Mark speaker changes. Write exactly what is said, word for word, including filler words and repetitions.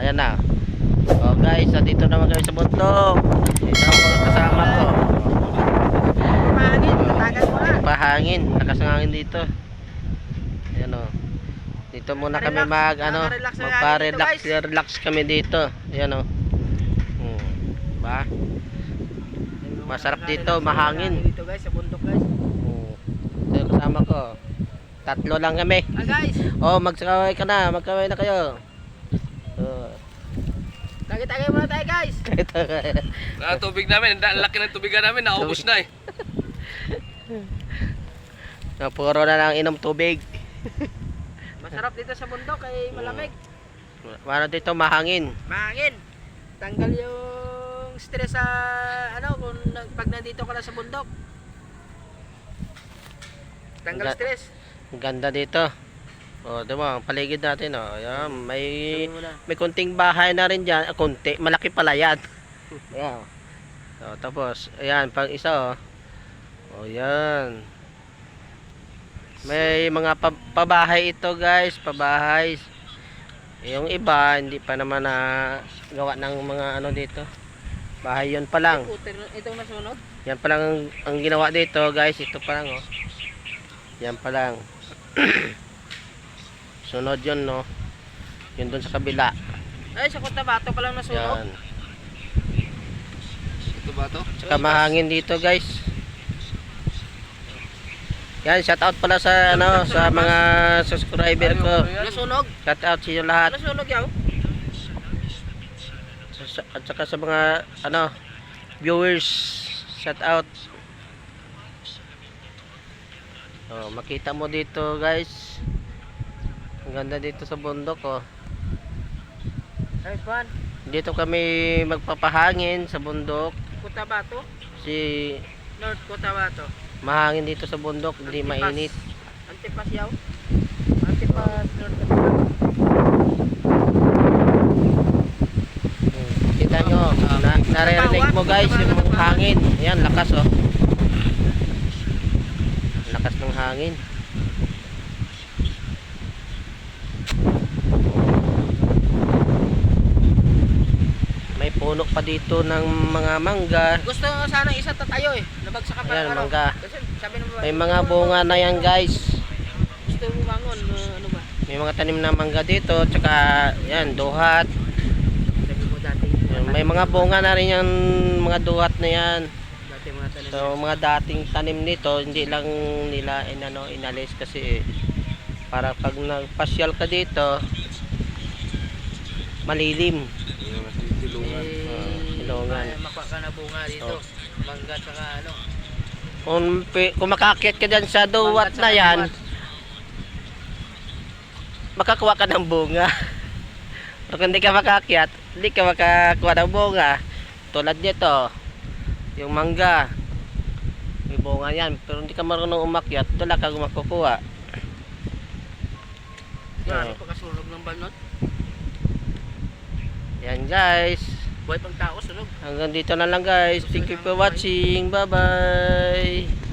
Speaker 1: Ayan na. Oh guys, dito naman kami sa bundok. Ito ang mga kasama ko.
Speaker 2: Pahangin, tatagan mo na.
Speaker 1: Pahangin, lakas ng hangin dito. Ayan o. Dito muna kami mag ano, magpa-relax, relax kami dito. Ayan o. Hmm. Ba? Masarap dito, mahangin.
Speaker 2: Dito guys, sa bundok guys.
Speaker 1: Hmm. Ito yung kasama ko. Tatlo lang kami.
Speaker 2: Ah guys,
Speaker 1: Oh, magsakaway ka na, magkaway na kayo. Oh.
Speaker 2: tagay-tagay muna tayo guys.
Speaker 3: Ah, tubig namin, ang laki ng tubigan namin, naubos na eh.
Speaker 1: Na puro na lang inom tubig.
Speaker 2: Masarap dito sa bundok kay malamig.
Speaker 1: Para dito mahangin.
Speaker 2: Mahangin. Tanggal yung stress sa ano kung na- pag nandito ka na sa bundok. Tanggal
Speaker 1: Ga-
Speaker 2: stress.
Speaker 1: Ang ganda dito. Oh, di ba? Ang paligid natin, oh. Ayan, may
Speaker 2: Sabi mo na.
Speaker 1: may kunting bahay na rin diyan, ah, kunti, malaki pala 'yan. Ayan. Oh, tapos, ayan, pag isa, oh. Oh, 'yan. May mga pa pabahay ito, guys, pabahay. Yung iba hindi pa naman na gawa ng mga ano dito. Bahay 'yon pa lang.
Speaker 2: Itong nasunod.
Speaker 1: Yan pa lang ang, ang ginawa dito, guys. Ito pa lang, oh. Yan pa lang. Sunod yun, no. Yun dun sa kabila.
Speaker 2: Ay, sa Cotabato pa lang nasunog.
Speaker 1: Yan.
Speaker 3: Ito ba to?
Speaker 1: Saka mahangin dito, guys. Yan, shout out pala sa ano, sa mga subscriber ko.
Speaker 2: Nasunog.
Speaker 1: Shout out sa inyo lahat.
Speaker 2: Nasunog yaw.
Speaker 1: Sa- sa- At saka sa mga ano, viewers, shout out. Oh, makita mo dito, guys. Ang ganda dito sa bundok, oh.
Speaker 2: Guys, Juan,
Speaker 1: Dito kami magpapahangin sa bundok.
Speaker 2: Cotabato,
Speaker 1: Si
Speaker 2: North Cotabato.
Speaker 1: mahangin dito sa bundok, hindi
Speaker 2: Antipas.
Speaker 1: mainit.
Speaker 2: Antipas yaw. Antipas North Cotabato.
Speaker 1: Hmm. Kita nyo, na, naririnig mo guys yung hangin. Ayan, lakas oh. Lakas ng hangin. May puno pa dito ng mga mangga.
Speaker 2: Gusto ko sana isa tatayo eh. Nabagsak ka pa
Speaker 1: Ayan,
Speaker 2: ng ano.
Speaker 1: mangga.
Speaker 2: Kasi sabi ng
Speaker 1: May mga bunga na yan guys.
Speaker 2: Gusto mo bangon, uh, ano ba?
Speaker 1: May mga tanim na mangga dito. Tsaka yan, duhat.
Speaker 2: Sabi mo dati.
Speaker 1: Yan, may mga bunga na rin yung mga duhat na yan.
Speaker 2: Dati mga tanim.
Speaker 1: So mga dating tanim nito hindi lang nila inano inalis kasi para pag nagpasyal ka dito malilim.
Speaker 3: Silungan.
Speaker 2: Eh,
Speaker 1: silungan.
Speaker 2: may makuha ka na bunga dito.
Speaker 1: Oh.
Speaker 2: Mangga tsaka ano.
Speaker 1: Kung, pi- kung makaakyat ka dyan sa duwat
Speaker 2: Mangga
Speaker 1: na
Speaker 2: tsaka
Speaker 1: yan,
Speaker 2: duwat.
Speaker 1: makakuha ka ng bunga. Pero kung hindi ka makaakyat, hindi ka makakuha ng bunga. Tulad nito, yung mangga. May bunga yan. Pero hindi ka marunong umakyat, wala ka makukuha.
Speaker 2: Grabe
Speaker 1: Oh.
Speaker 2: pagkasunog ng balnot.
Speaker 1: Yan guys.
Speaker 2: Buhay pang tao sunog.
Speaker 1: Hanggang dito na lang guys. Thank you for watching. Bye bye.